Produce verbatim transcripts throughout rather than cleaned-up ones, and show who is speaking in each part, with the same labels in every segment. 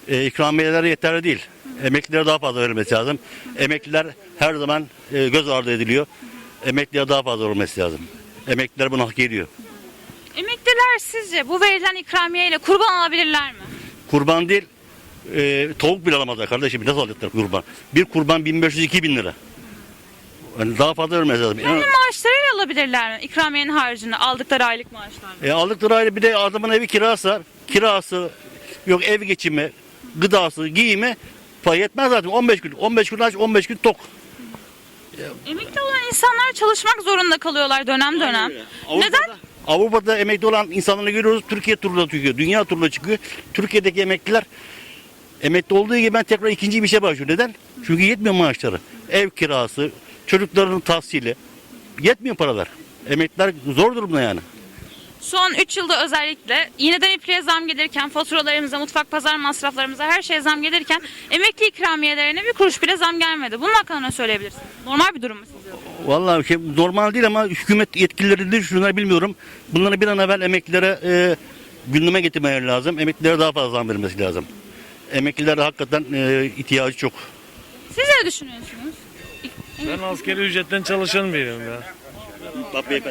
Speaker 1: E, ikramiyeler yeterli değil. Emeklilere daha fazla verilmesi lazım. Emekliler her zaman e, göz ardı ediliyor. Emeklilere daha fazla olması lazım. Emekliler bunu hak ediyor.
Speaker 2: Emekliler sizce bu verilen ikramiyeyle kurban alabilirler mi?
Speaker 1: Kurban değil, e, tavuk bile alamazlar kardeşim. Nasıl alacaklar kurban? Bir kurban bin beş yüz iki bin lira. Yani daha fazla vermesi lazım.
Speaker 2: Kendi maaşlarıyla alabilirler mi? İkramiyenin haricinde aldıkları aylık maaşlarla.
Speaker 1: E, aldıkları aile bir de adamın evi kirası, kirası, yok ev geçimi, gıdası, giyimi pay yetmez zaten. on beş gün, on beş gün aç, on beş gün tok.
Speaker 2: Emekli olan insanlar çalışmak zorunda kalıyorlar dönem dönem. Neden?
Speaker 1: Avrupa'da emekli olan insanları görüyoruz. Türkiye turuna çıkıyor, dünya turuna çıkıyor. Türkiye'deki emekliler emekli olduğu gibi ben tekrar ikinci bir işe başlıyor. Neden? Çünkü yetmiyor maaşları. Ev kirası, çocukların tahsili. Yetmiyor paralar. Emekliler zor durumda yani.
Speaker 2: Son üç yılda özellikle iğneden ipliğe zam gelirken, faturalarımıza, mutfak pazar masraflarımıza her şeye zam gelirken emekli ikramiyelerine bir kuruş bile zam gelmedi. Bunun hakkında ne söyleyebilirsiniz? Normal bir durum mu sizce?
Speaker 1: Vallahi şey, normal değil ama hükümet yetkilileri şunları bilmiyorum. Bunları bir an evvel emeklilere e, gündeme getirmeleri lazım. Emeklilere daha fazla zam verilmesi lazım. Emeklilere hakikaten e, ihtiyacı çok.
Speaker 2: Siz ne düşünüyorsunuz?
Speaker 3: Ben askeri ücretten çalışan biriyim ya.
Speaker 1: Bak beyefendi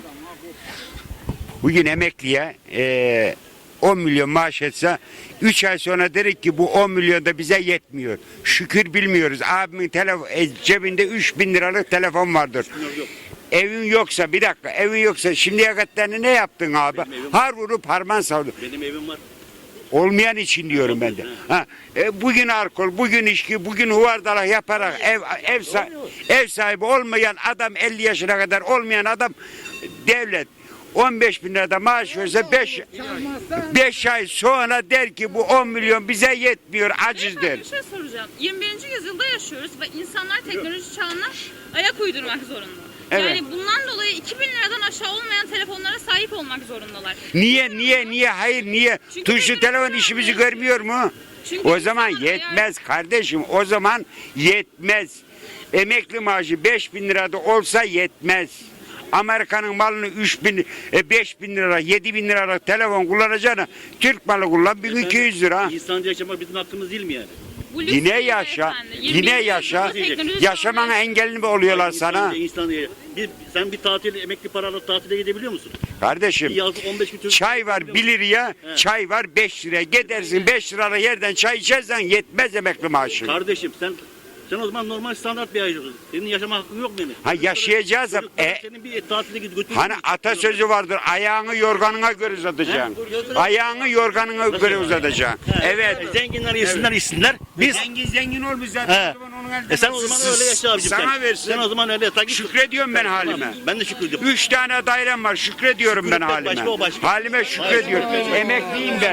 Speaker 4: Bugün emekliye e, on milyon maaş etse üç ay sonra derik ki bu on milyon da bize yetmiyor. Şükür bilmiyoruz. Abimin telefon, e, cebinde üç bin liralık telefon vardır. Evin yoksa bir dakika evin yoksa şimdiye kadar ne yaptın abi? Har vurup harman savdun.
Speaker 1: Benim evim var.
Speaker 4: Olmayan için diyorum ben de. Ha, e, bugün alkol, bugün içki, bugün huvardalak yaparak ev ev sahibi, ev sahibi olmayan adam elli yaşına kadar olmayan adam devlet on beş bin lirada maaş verse beş ay sonra der ki bu on milyon bize yetmiyor aciz der.
Speaker 2: Bir şey soracağım. yirmi birinci yüzyılda yaşıyoruz ve insanlar teknoloji çağına ayak uydurmak zorunda.
Speaker 4: Evet.
Speaker 2: Yani bundan dolayı iki bin liradan aşağı olmayan telefonlara sahip olmak zorundalar.
Speaker 4: Niye niye niye hayır niye?
Speaker 2: Çünkü
Speaker 4: Tuşlu telefon işimizi görmüyor mu?
Speaker 2: Çünkü
Speaker 4: O zaman
Speaker 2: insanlar
Speaker 4: yetmez kardeşim. O zaman yetmez. Emekli maaşı beş bin lirada olsa yetmez. Amerika'nın malını üç bin, beş bin lira, yedi bin liralık telefon kullanacağına Türk malı kullan bin iki yüz lira.
Speaker 1: İnsanca yaşamak bizim hakkımız değil mi yani?
Speaker 2: Bu lüks
Speaker 4: Yine
Speaker 2: değil
Speaker 4: yaşa,
Speaker 2: beyefendi. yirmi
Speaker 4: yine
Speaker 2: birinci
Speaker 4: yaşa.
Speaker 2: yüzyılda teknoloji
Speaker 4: Yaşamana
Speaker 2: çağında-
Speaker 4: engelli mi oluyorlar sana?
Speaker 1: İnsan, bir, sen bir tatil, emekli paralı tatile gidebiliyor musun?
Speaker 4: Kardeşim,
Speaker 1: Bir yazlık on beş bin Türk-
Speaker 4: çay var bir liraya, çay var beş liraya. Gidersin beş liralık yerden çay içersen yetmez emekli maaşı.
Speaker 1: Kardeşim sen sen o zaman normal standart bir yaşıyorsun. Senin yaşama hakkın yok mu yani?
Speaker 4: Ha, yaşayacağız ama-
Speaker 1: Çocukların
Speaker 4: e-
Speaker 1: senin bir tatile gidip götürür
Speaker 4: Hani
Speaker 1: müsün?
Speaker 4: atasözü vardır, ayağını yorganına göre uzatacaksın. Ayağını yorganına göre uzatacaksın. Evet.
Speaker 1: Zenginler yesinler içsinler. Biz
Speaker 4: Zengin zengin olmuş zaten.
Speaker 1: He.
Speaker 4: O zaman onun elden
Speaker 1: E sen o zaman öyle yaşa abicim
Speaker 4: Sana
Speaker 1: sen.
Speaker 4: versin.
Speaker 1: Sen o zaman öyle yata git.
Speaker 4: Şükrediyorum ben halime.
Speaker 1: Ben de şükrediyorum.
Speaker 4: Üç tane dairem var. Şükrediyorum ben
Speaker 1: Şükretmek
Speaker 4: halime.
Speaker 1: başka, o başka.
Speaker 4: Halime şükrediyorum. Emekliyim ben.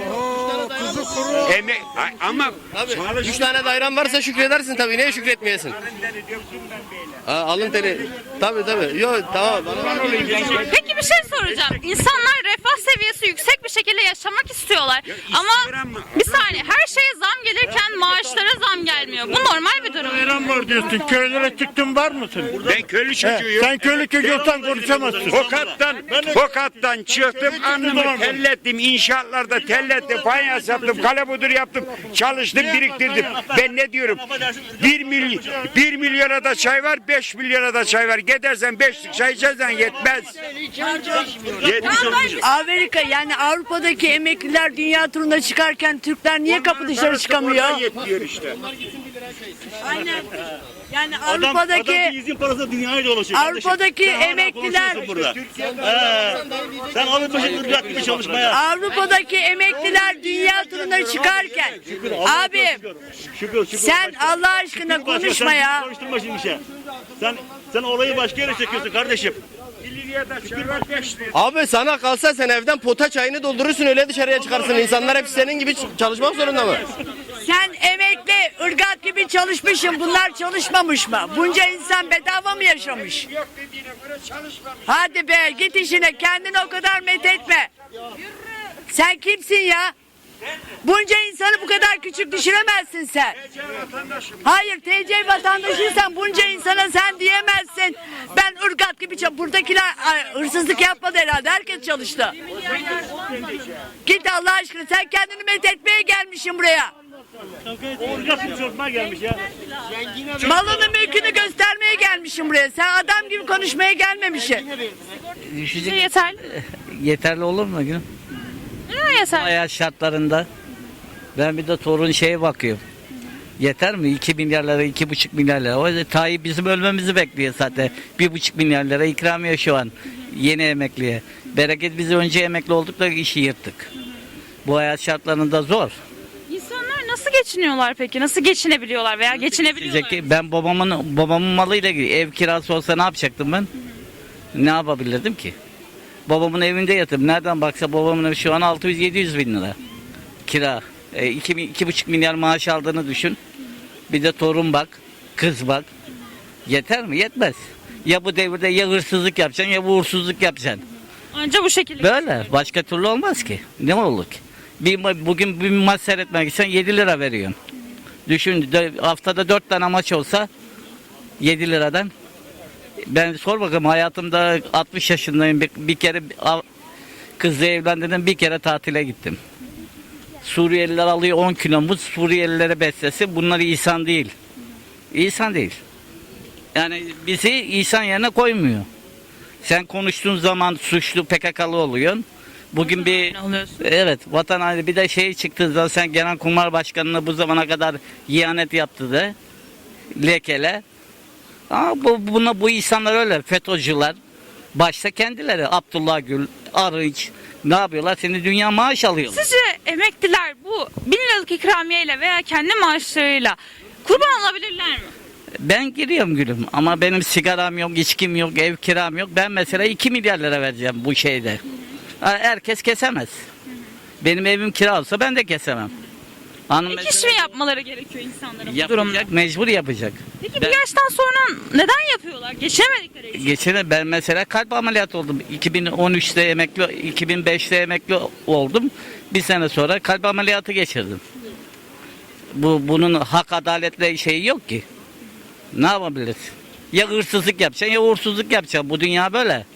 Speaker 4: Emek ama
Speaker 5: Üç tane dairem varsa şükredersin tabii. Niye şükretmeyesin? Ha, alın teri. Tabii tabii. Yok tamam.
Speaker 2: Peki bir şey soracağım. İnsanlar refah seviyesi yüksek bir şekilde yaşamak istiyorlar. Ama
Speaker 4: istiyorum.
Speaker 2: bir saniye her şeye zam gelirken maaşlara zam gelmiyor. Bu normal bir durum.
Speaker 6: Bayram var diyorsun. Köylere çıktın var mısın?
Speaker 4: ben köylü çocuğuyum.
Speaker 6: Sen köylü çocuğundan konuşamazsın.
Speaker 4: Tokat'tan, Tokat'tan çıktım, annemi tellettim, inşaatlarda tellettim, fayans yaptım, kalebudur yaptım, çalıştım, biriktirdim. Ben ne diyorum? Bir, milyon, bir milyona da çay var, beş milyona da çay var. Gidersen beşlik çay içersen yetmez. Yetmiş olmuş.
Speaker 7: Amerika yani Avrupa'daki emekliler dünya turuna çıkarken Türkler niye kapı dışarı çıkamıyor?
Speaker 4: Yetmiyor işte.
Speaker 7: Aynen. Yani
Speaker 1: Adam,
Speaker 7: Avrupa'daki
Speaker 1: adam izin parası dünyaya dolaşıyor.
Speaker 7: Avrupa'daki
Speaker 1: kardeşim. Sen hala
Speaker 7: emekliler-
Speaker 1: konuşuyorsun burada. He. Sen alıp başını ırgat gibi çalışmaya.
Speaker 7: Avrupa'daki emekliler dünya turuna çıkarken abi
Speaker 1: Şükür, şükür.
Speaker 7: sen
Speaker 1: başka.
Speaker 7: Allah aşkına
Speaker 1: Şükür başka,
Speaker 7: konuşma
Speaker 1: sen
Speaker 7: ya.
Speaker 1: Konuşturma şimdi şey. Sen sen olayı başka yere çekiyorsun kardeşim.
Speaker 5: Abi sana kalsa sen evden pota çayını doldurursun öyle dışarıya çıkarsın. İnsanlar hep senin gibi ç- çalışmak zorunda mı?
Speaker 7: Sen emekli ırgat gibi çalışmışsın, bunlar çalışmamış mı? Bunca insan bedava mı yaşamış? Hadi be git işine, kendini o kadar methetme. Sen kimsin ya? Bunca insanı bu kadar küçük düşüremezsin sen. Hayır, T C vatandaşıysan bunca insana sen diyemezsin. Ben ırgat gibi çalışıyorum. Buradakiler ay, hırsızlık yapmadı herhalde. Herkes çalıştı. Git Allah aşkına, sen kendini methetmeye gelmişsin buraya.
Speaker 6: Orgasını çözmeye gelmiş ya.
Speaker 7: Malını mülkünü göstermeye gelmişsin buraya. Sen adam gibi konuşmaya gelmemişsin.
Speaker 2: Sizce yeterli mi?
Speaker 8: Yeterli olur mu gülüm?
Speaker 2: Neden yeterli?
Speaker 8: Hayat şartlarında ben bir de torun şeye bakıyorum. Yeter mi? iki milyar lira, iki buçuk milyar lira. O yüzden Tayyip bizim ölmemizi bekliyor zaten. bir buçuk milyar lira ikramiye şu an yeni emekliye. Bereket biz önce emekli olduk da işi yırttık. Bu hayat şartlarında zor.
Speaker 2: İnsanlar nasıl geçiniyorlar peki? Nasıl geçinebiliyorlar veya geçinebiliyorlar?
Speaker 8: Diyecek ki ben babamın babamın malıyla ilgili ev kirası olsa ne yapacaktım ben? Ne yapabilirdim ki? Babamın evinde yatıp nereden baksa babamın evi şu an altı yüz yedi yüz bin lira kira. E, iki, iki buçuk milyar maaş aldığını düşün. Bir de torun bak, kız bak. Yeter mi? Yetmez. Ya bu devirde ya hırsızlık yapacaksın ya uğursuzluk yapacaksın.
Speaker 2: Anca bu şekilde.
Speaker 8: Böyle. Başka türlü olmaz ki. Ne olur ki? Bir, ma- bugün bir maç seyretmek için yedi lira veriyorsun. Düşün de, haftada dört tane maç olsa yedi liradan. Ben sor bakalım hayatımda altmış yaşındayım. Bir, bir kere av- kızla evlendim, bir kere tatile gittim. Suriyeliler alıyor on kilomuz, Suriyelilere beslesi. Bunlar insan değil. İnsan değil. Yani bizi insan yerine koymuyor. Sen konuştuğun zaman suçlu P K K'lı oluyorsun. Bugün bir
Speaker 2: oluyorsun.
Speaker 8: evet vatan haini bir de şey çıktığı zaman sen Genelkurmay Başkanı'na bu zamana kadar ihanet yaptı da lekele. Ama bu, buna bu insanlar öyle FETÖ'cüler. Başta kendileri Abdullah Gül, Arınç ne yapıyorlar? Seni dünya maaş alıyorlar.
Speaker 2: Sizce emekliler bu bin liralık ikramiyeyle veya kendi maaşlarıyla kurban olabilirler mi?
Speaker 8: Ben giriyorum gülüm ama benim sigaram yok, içkim yok, ev kiram yok. Ben mesela iki milyar lira vereceğim bu şeyde. Herkes kesemez. Benim evim kira olsa ben de kesemem. Hanım
Speaker 2: Ek iş
Speaker 8: mesela
Speaker 2: mi yapmaları gerekiyor insanların bu durumda?
Speaker 8: yapacak, mecbur yapacak.
Speaker 2: Peki
Speaker 8: Ben-
Speaker 2: bir yaştan sonra neden yapıyorlar? Geçinemedikleri için.
Speaker 8: Geçen ben mesela kalp ameliyatı oldum. iki bin on üçte emekli, iki bin beşte emekli oldum. Bir sene sonra kalp ameliyatı geçirdim. Bu bunun hak adaletle şeyi yok ki. Ne yapabiliriz? Ya hırsızlık yapacaksın ya uğursuzluk yapacaksın. Bu dünya böyle.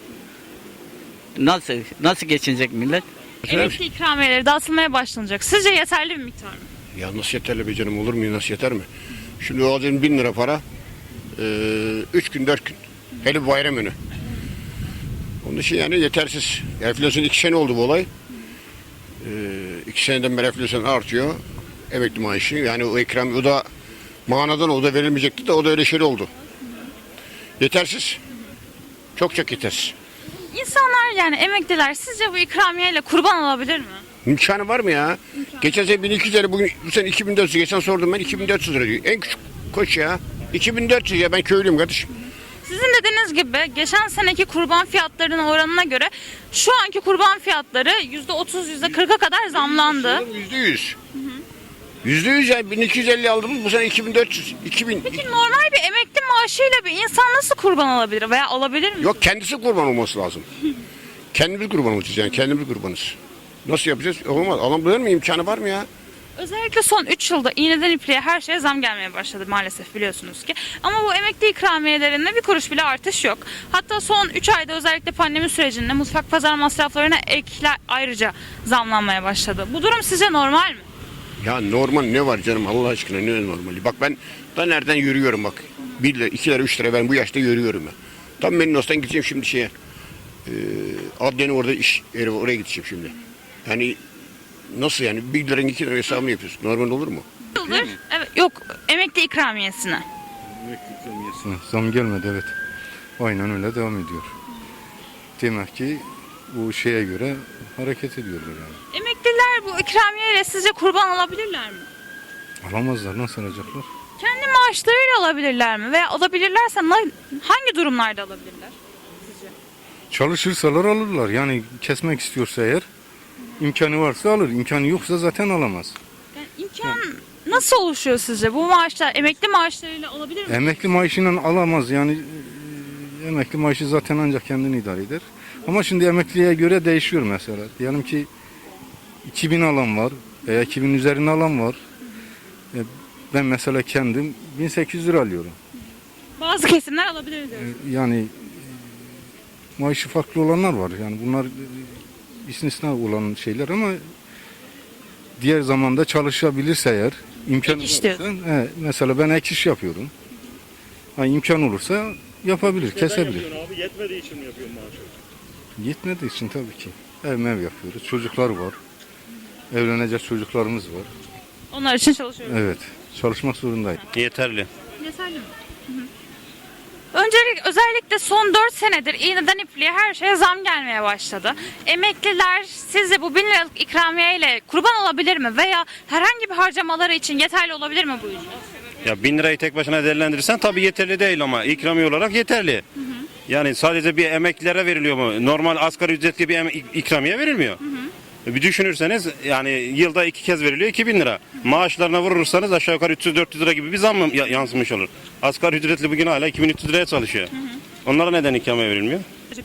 Speaker 8: Nasıl nasıl geçinecek millet?
Speaker 2: Emekli ikramiyeleri dağıtılmaya başlanacak. Sizce yeterli bir miktar mı?
Speaker 9: Ya nasıl yeterli be canım, olur mu, nasıl yeter mi? Şimdi o alacağın bin lira para, eee, üç gün dört gün, hele bayram önü. Onun için yani yetersiz. Enflasyon iki sene oldu bu olay. Eee iki seneden beri enflasyon artıyor. Emekli maaşı yani o ikram, o da manadan o da verilmeyecekti de o da öyle şey oldu. Yetersiz. Çok çok yetersiz.
Speaker 2: İnsanlar yani emekliler sizce bu ikramiyeyle kurban olabilir mi?
Speaker 9: İmkanı var mı ya? Geçen sene bin iki yüz lira, bugün bu sene iki bin dört yüz. Geçen sordum ben, iki bin dört yüz lira diyor. En küçük koç ya. iki bin dört yüz ya, ben köylüyüm kardeşim.
Speaker 2: Sizin dediğiniz gibi geçen seneki kurban fiyatlarının oranına göre şu anki kurban fiyatları yüzde otuz yüzde kırka kadar zamlandı.
Speaker 9: Yüzde yüz. Yüzde yüz yani bin iki yüz elli aldığımız bu sene iki bin dört yüz. iki bin.
Speaker 2: Peki normal bir emekli maaşıyla bir insan nasıl kurban olabilir veya olabilir mi?
Speaker 9: Yok, kendisi kurban olması lazım. Kendimiz kurban olacağız yani, kendimiz kurbanız. Nasıl yapacağız? Olmaz. Alabilir mi? İmkanı var mı ya?
Speaker 2: Özellikle son üç yılda iğneden ipliğe her şeye zam gelmeye başladı maalesef biliyorsunuz ki. Ama bu emekli ikramiyelerinde bir kuruş bile artış yok. Hatta son üç ayda özellikle pandemi sürecinde mutfak pazar masraflarına ekler ayrıca zamlanmaya başladı. Bu durum sizce normal mi?
Speaker 9: Ya normal ne var canım, Allah aşkına ne normali? Bak ben da nereden yürüyorum bak. Bir lira, iki lira, üç lira ben bu yaşta yürüyorum ya. Tam Merinos'tan gideceğim şimdi şeye. E, Adliyenin orada iş yeri, oraya gideceğim şimdi. Yani nasıl yani bir liranın iki lira hesabını yapıyorsun? Normal olur mu?
Speaker 2: Yıldır, evet, yok emekli ikramiyesine.
Speaker 10: Zam gelmedi, evet. Aynen öyle devam ediyor. Demek ki bu şeye göre hareket ediyorlar yani.
Speaker 2: Emekliler bu ikramiyeyle sizce kurban olabilirler mi?
Speaker 10: Alamazlar, nasıl alacaklar?
Speaker 2: Kendi maaşlarıyla alabilirler mi? Veya alabilirlerse na- hangi durumlarda alabilirler?
Speaker 10: Çalışırsalar alırlar. Yani kesmek istiyorsa eğer, imkanı varsa alır. İmkanı yoksa zaten alamaz.
Speaker 2: Yani imkan nasıl oluşuyor sizce? Bu maaşlar emekli maaşlarıyla olabilir mi?
Speaker 10: Emekli maaşıyla alamaz. Yani e, emekli maaşı zaten ancak kendini idare eder. Ama şimdi emekliye göre değişiyor mesela. Diyelim ki iki bin alan var veya iki bin üzerine alan var. E, Ben mesela kendim bin sekiz yüz lira alıyorum.
Speaker 2: Bazı kesimler alabilir diyoruz.
Speaker 10: Yani e, maaşı farklı olanlar var. Yani bunlar e, istisna olan şeyler ama diğer zamanda çalışabilirse eğer imkan
Speaker 2: Ek iş
Speaker 10: olursa, he, mesela ben ek iş yapıyorum. Ha, imkan olursa yapabilir, kesebilir.
Speaker 6: Yapıyorsun abi yetmediği için mi yapıyorsun maaşı?
Speaker 10: Yetmediği için tabii ki. Ev mev yapıyoruz. Çocuklar var. Evlenecek çocuklarımız var.
Speaker 2: Onlar için çalışıyoruz.
Speaker 10: Evet. Çalışmak zorundayız.
Speaker 1: Yeterli.
Speaker 2: Yeterli mi? Öncelikle özellikle son dört senedir iğneden ipliğe her şeye zam gelmeye başladı. Emekliler sizce bu bin liralık ikramiye ile kurban olabilir mi? Veya herhangi bir harcamaları için yeterli olabilir mi bu ücret?
Speaker 1: Ya bin lirayı tek başına değerlendirirsen tabii yeterli değil ama ikramiye olarak yeterli. Yani sadece bir emeklilere veriliyor mu? Normal asgari ücretli bir em- ikramiye verilmiyor. Bir düşünürseniz yani yılda iki kez veriliyor iki bin lira. Maaşlarına vurursanız aşağı yukarı üç yüz dört yüz lira gibi bir zam mı ya- yansımış olur. Asgari ücretli bugün hala iki bin üç yüz liraya çalışıyor. Onlara neden ikramiye verilmiyor?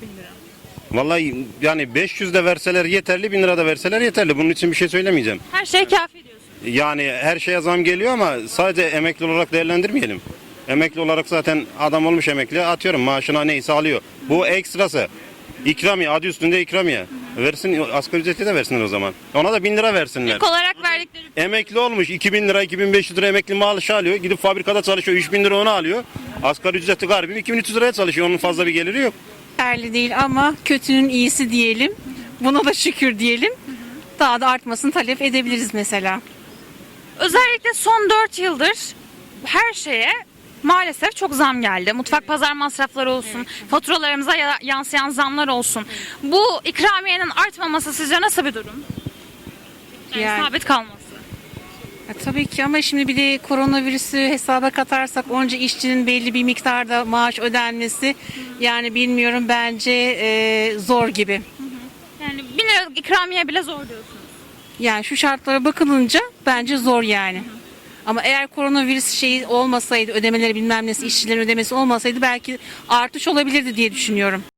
Speaker 1: Vallahi yani beş yüz de verseler yeterli, bin lira da verseler yeterli. Bunun için bir şey söylemeyeceğim.
Speaker 2: Her şey kafi diyorsun.
Speaker 1: Yani her şeye zam geliyor ama sadece emekli olarak değerlendirmeyelim. Emekli olarak zaten adam olmuş emekli atıyorum maaşına neyse alıyor. Bu ekstrası. İkramiye adı üstünde ikramiye. Versin asgari ücreti de versinler o zaman. Ona da bin lira versinler.
Speaker 2: İlk olarak verdikleri
Speaker 1: Emekli olmuş iki bin lira iki bin beş yüz lira emekli maaşı alıyor. Gidip fabrikada çalışıyor üç bin lira onu alıyor. Asgari ücreti garibim iki bin üç yüz liraya çalışıyor. Onun fazla bir geliri yok.
Speaker 11: Yeterli değil ama kötünün iyisi diyelim. Buna da şükür diyelim. Daha da artmasını talep edebiliriz mesela.
Speaker 2: özellikle son dört yıldır her şeye maalesef çok zam geldi. Mutfak pazar masrafları olsun, faturalarımıza ya- yansıyan zamlar olsun. Bu ikramiyenin artmaması sizce nasıl bir durum? Yani,
Speaker 11: Yani-
Speaker 2: sabit kalması.
Speaker 11: Ya tabii ki ama şimdi bir de koronavirüsü hesaba katarsak onca işçinin belli bir miktarda maaş ödenmesi yani bilmiyorum bence e, zor gibi.
Speaker 2: Yani bin liralık ikramiye bile zor diyorsunuz.
Speaker 11: Yani şu şartlara bakılınca bence zor yani. Ama eğer koronavirüs şeyi olmasaydı ödemeleri bilmem nesi işçilerin ödemesi olmasaydı belki artış olabilirdi diye düşünüyorum.